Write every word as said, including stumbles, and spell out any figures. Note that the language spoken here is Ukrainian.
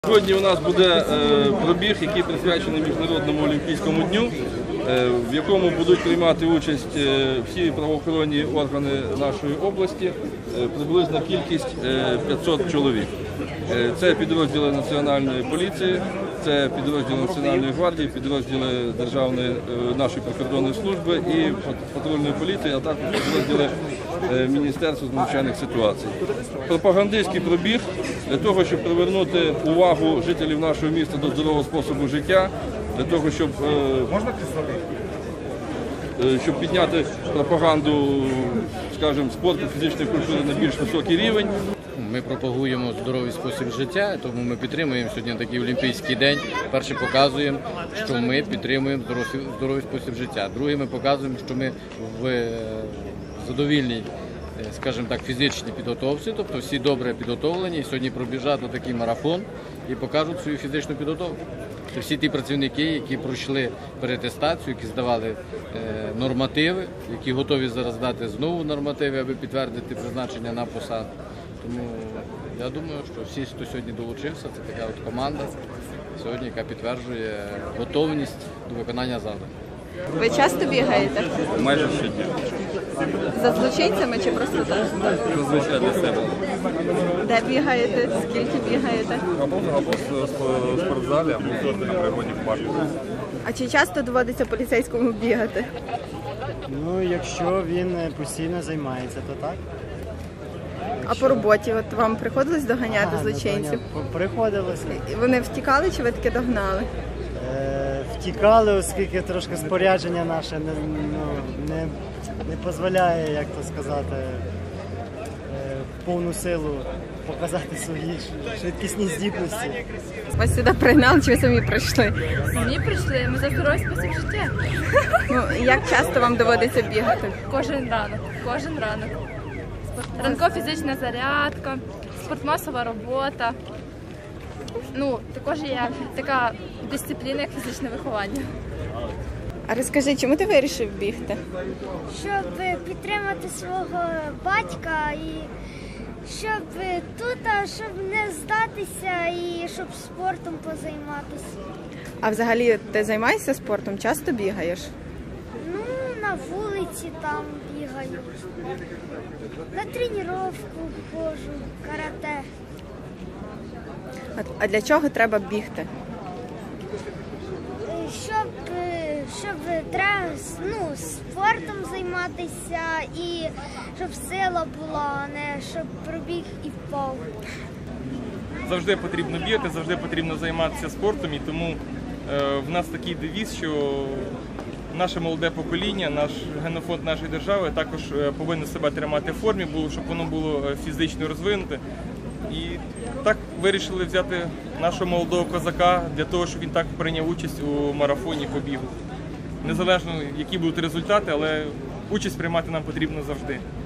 Сьогодні у нас буде пробіг, який присвячений Міжнародному олімпійському дню, в якому будуть приймати участь всі правоохоронні органи нашої області, приблизно кількість п'ятсот чоловік. Це підрозділи Національної поліції, це підрозділи Національної гвардії, підрозділи Державної нашої прикордонної служби і патрульної поліції, а також підрозділи Міністерства з надзвичайних ситуацій. Пропагандистський пробіг для того, щоб привернути увагу жителів нашого міста до здорового способу життя, для того, щоб, щоб підняти пропаганду, скажімо, спорту, фізичної культури на більш високий рівень. Ми пропагуємо здоровий спосіб життя, тому ми підтримуємо сьогодні такий олімпійський день. Перше, показуємо, що ми підтримуємо здоровий спосіб життя. Друге, ми показуємо, що ми в задовільній, скажімо так, фізичній підготовці, тобто всі добре підготовлені, і сьогодні пробіжать на такий марафон і покажуть свою фізичну підготовку. Всі ті працівники, які пройшли переатестацію, які здавали нормативи, які готові зараз дати знову нормативи, аби підтвердити призначення на посаду. Тому я думаю, що всі, хто сьогодні долучився, це така от команда сьогодні, яка підтверджує готовність до виконання завдань. Ви часто бігаєте? Майже щодня. За злочинцями чи просто так? Зазвичай для себе. Де бігаєте? Скільки бігаєте? Або, або в спортзалі, або на природі в парку. А чи часто доводиться поліцейському бігати? Ну, якщо він постійно займається, то так. А по роботі от вам приходилось доганяти А, злочинців? ну, приходилося. І вони втікали чи ви таки догнали? Е, втікали, оскільки трошки спорядження наше не, ну, не, не дозволяє, як то сказати, е, в повну силу показати свої швидкісні здібності. Вас сюди пригнали чи ви самі прийшли? Самі прийшли, ми за здоровий спосіб життя. Ну, як часто вам доводиться бігати? Кожен ранок, кожен ранок. Ранкова фізична зарядка, спортмасова робота. Ну, також є така дисципліна, як фізичне виховання. А розкажи, чому ти вирішив бігти? Щоб підтримати свого батька і щоб тут, щоб не здатися і щоб спортом позайматися. А взагалі ти займаєшся спортом? Часто бігаєш? Ну, на вулиці там бігаю, на тренування ходжу, карате. А, а для чого треба бігти? Щоб, щоб треба, ну, спортом займатися і щоб сила була, а не щоб пробіг і впав. Завжди потрібно бігати, завжди потрібно займатися спортом, і тому е, в нас такий девіз, що наше молоде покоління, наш генофонд нашої держави також повинен себе тримати в формі, щоб воно було фізично розвинуте. І так вирішили взяти нашого молодого козака для того, щоб він так прийняв участь у марафоні по бігу. Незалежно, які будуть результати, але участь приймати нам потрібно завжди.